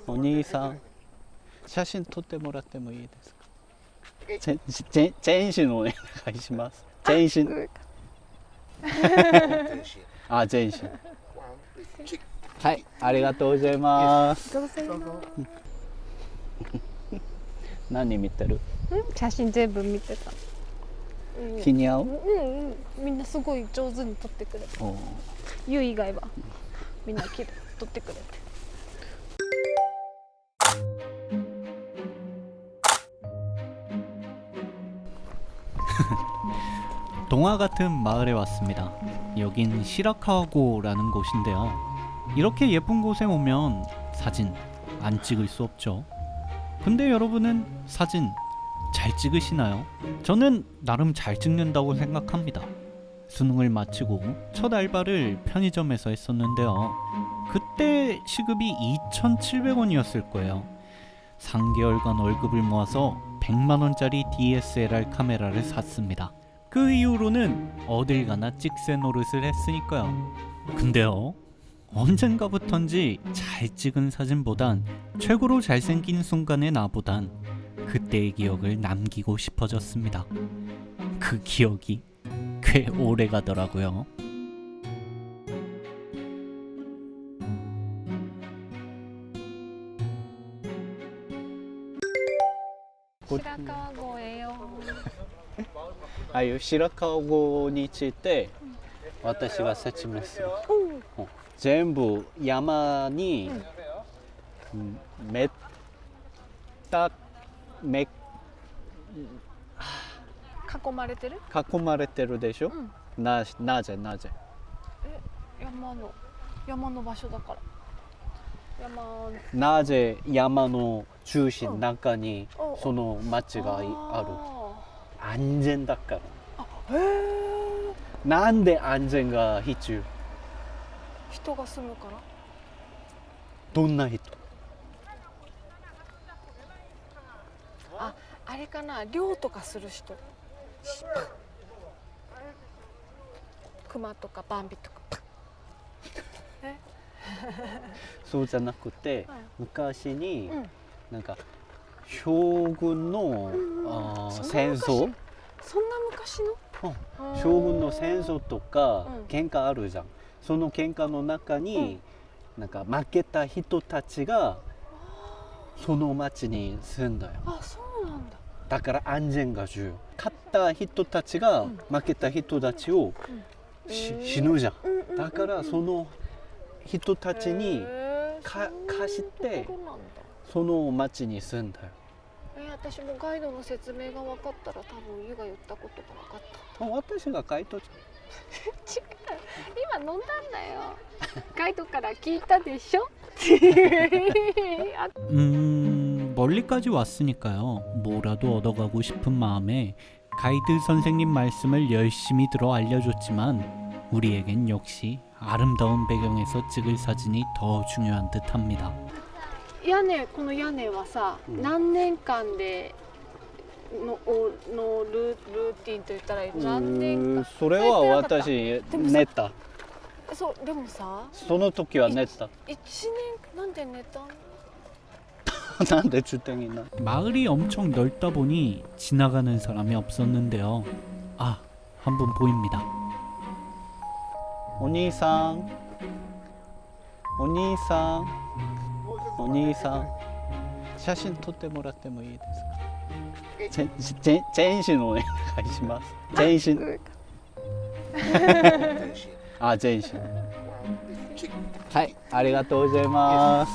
お兄さん、写真撮ってもらってもいいですか？全身お願いします。全身。あ、全身。はい、ありがとうございます。何見てる？ 写真全部見てた。 気に合う？ みんなすごい上手に撮ってくれて。ゆう以外はみんなきれい撮ってくれて。 동화 같은 마을에 왔습니다. 여긴 시라카고라는 곳인데요. 이렇게 예쁜 곳에 오면 사진 안 찍을 수 없죠. 근데 여러분은 사진 잘 찍으시나요? 저는 나름 잘 찍는다고 생각합니다. 수능을 마치고 첫 알바를 편의점에서 했었는데요. 그때 시급이 2,700원이었을 거예요. 3개월간 월급을 모아서 100만원짜리 DSLR 카메라를 샀습니다. 그 이후로는 어딜 가나 찍새 노릇을 했으니까요. 근데요, 언젠가부턴지 잘 찍은 사진보단 최고로 잘생긴 순간의 나보단 그때의 기억을 남기고 싶어졌습니다. 그 기억이 꽤 오래 가더라고요. 시라카고예요. ああいう白川郷について私が説明する。全部山にめっため囲まれてる？ 囲まれてるでしょ。なぜ山の場所だから。 なぜ山の中心中にその町がある？安全だから。なんで安全が必要？ 人が住むから。 どんな人？ あれかな、猟とかする人。クマとかバンビとか。 そうじゃなくて、昔になんか将軍の戦争、 そんな昔の？ 将軍の戦争とか喧嘩あるじゃん。その喧嘩の中になんか負けた人たちがその町に住んだよ。 あ、そうなんだ。 だから安全が重要。勝った人たちが負けた人たちを死ぬじゃん。だからその人たちに貸してその町に住んだよ。 私もガイドの説明が分かったら多分ユが言ったことが分かった。 私がガイドじ違う、今飲んだんだよ。ガイドから聞いたでしょ。 멀리까지 왔으니까요. 뭐라도 얻어가고 싶은 마음에 가이드 선생님 말씀을 열심히 들어 알려줬지만 우리에겐 역시 아름다운 배경에서 찍을 사진이 더 중요한 듯합니다. この屋根はさ、何年間でのルーティンと言ったらいい？何年間？ それは私寝た。 そうでもさ、 その時は寝た。 1年なんで寝たの？ 난내 주택이나. 마을이 엄청 넓다 보니 지나가는 사람이 없었는데요. 아, 한 분 보입니다. お兄さん、お兄さん、お兄さん、写真撮ってもらってもいいですか？全身お願いします。全身。あ、全身。はい、ありがとうございます。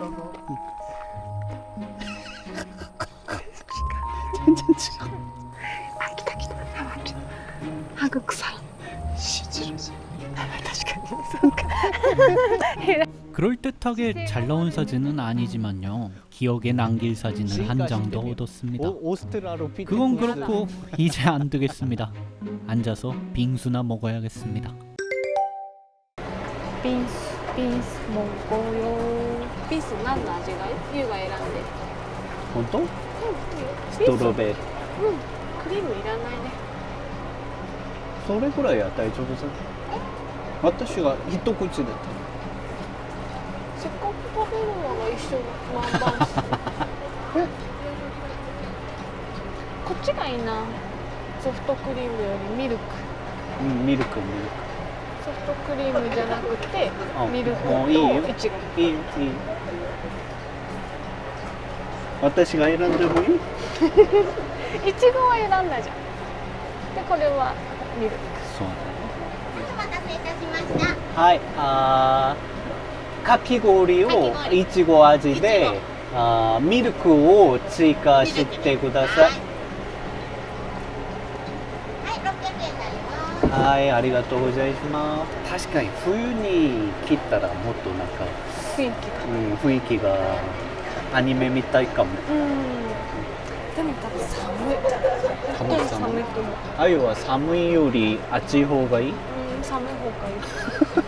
全然違う。 あ、来た。ハグ臭い。 그럴듯하게 잘 나온 사진은 아니지만요. 기억에 남길 사진을 한 장도 얻었습니다. 그건 그렇고 이제 안 되겠습니다. 앉아서 빙수나 먹어야겠습니다. 빙수 먹어요. 빙수何の味がユウが選んで。 本当？ストロベリー。 クリームいらないね。 それぐらいは大丈夫じゃない？私が一口で。 せっかく食べるもの一緒ワンバンスこっちがいいな。ソフトクリームよりミルク。 うん、ミルク。 ソフトクリームじゃなくてあミルクもういいよとイチゴ。 いいよ。私が選んでもいい？ イチゴは選んだじゃん。でこれはミルク。 そうだね。 お待たせいたしました。 はい、かき氷をいちご味で、ミルクを追加してください。 はい、600円になります。 はい、ありがとうございます。確かに冬に切ったらもっとなんか、 雰囲気が。 雰囲気がアニメみたいかも。 でも多分寒い。本当に寒いと思う。 あゆは寒いより暑い方がいい？ 寒い方がいい。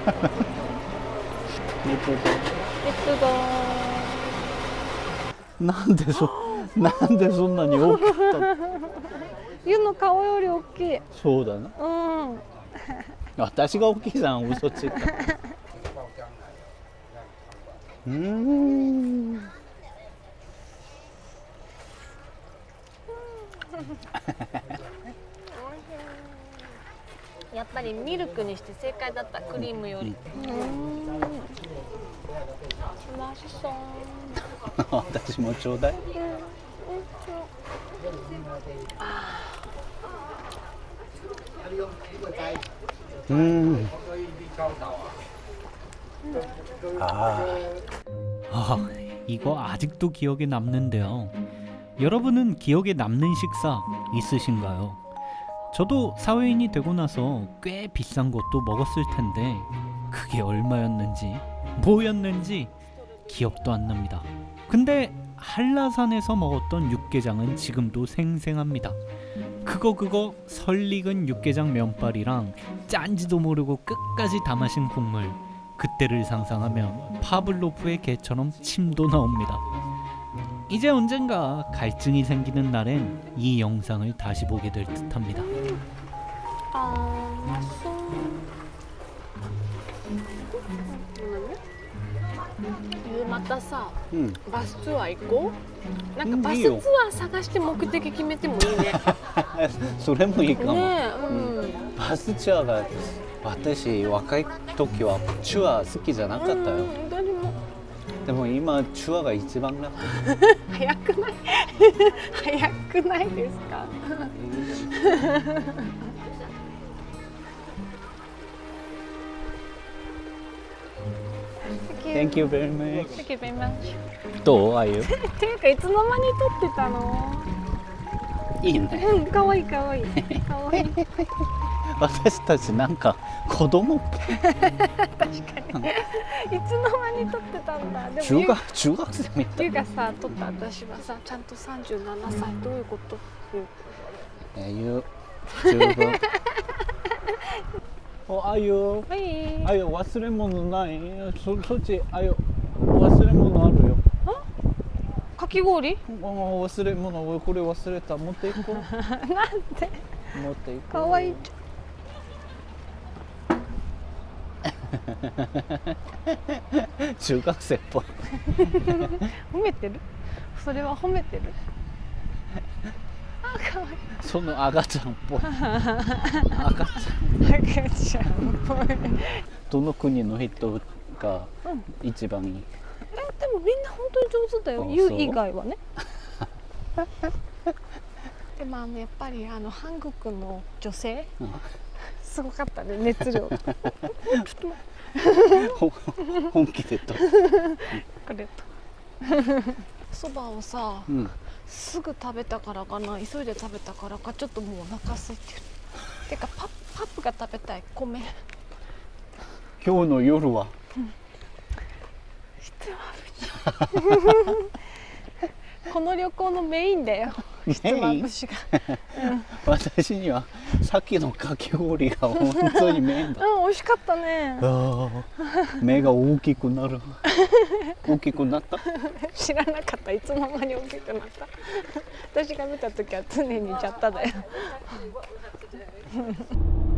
レッツゴー。なんでそんなに大きかったの？ ユの顔より大きい。 そうだな。私が大きいじゃん、嘘ついた。 やっぱりミルクにして正解だった。クリームより。ましそう。 私もちょうだい。 이거 아직도 기억에 남는데요. 여러분은 기억에 남는 식사 있으신가요? 저도 사회인이 되고 나서 꽤 비싼 것도 먹었을 텐데 그게 얼마였는지 뭐였는지 기억도 안 납니다. 근데 한라산에서 먹었던 육개장은 지금도 생생합니다. 그거 설익은 육개장 면발이랑 짠지도 모르고 끝까지 다 마신 국물, 그때를 상상하면 파블로프의 개처럼 침도 나옵니다. 이제 언젠가 갈증이 생기는 날엔 이 영상을 다시 보게 될 듯합니다. またさ、バスツアー行こう。なんかバスいいよツアー探して目的決めてもいいね。 それもいいかも。 ねバスツアーが私若い時はツアー好きじゃなかったよ。 誰も。 でも今ツアーが一番楽。 早くない？早くないですか？ Thank you very much. Thank you very much. どうあゆ？ ていうかいつの間に撮ってたの？ いいね。 可愛い可愛い可愛い。 私たちなんか子供っぽい。 確かに。いつの間に撮ってたんだ。でも中学生みたい。 ゆがさ撮った私はさちゃんと37歳どういうこと？ ゆ十分。おあゆ。 はい。 あゆ忘れ物ない？そっちあゆ忘れ物あるよ。 かき氷？ 忘れ物これ忘れた持っていこう。 なんで？ 持っていこう。 可愛い。 中学生っぽい。 褒めてる？それは褒めてる。あ、可愛い。 その赤ちゃんっぽい。赤ちゃんっぽい。 どの国の人が一番いい？ でもみんな本当に上手だよ。ユ以外はね。でもやっぱり韓国の女性、すごかったね熱量。ちょっと本気でと。 これと。そばをさ、すぐ食べたからかな、急いで食べたからかちょっともうお腹空いてる。てかパップが食べたい。米。 今日の夜は。 この旅行のメインだよ。ひつまぶしが。 私にはさっきのかき氷が本当にメインだ。 美味しかったね。 目が大きくなる。大きくなった？ 知らなかった。いつの間に大きくなった。私が見た時は常にジャッタだよ。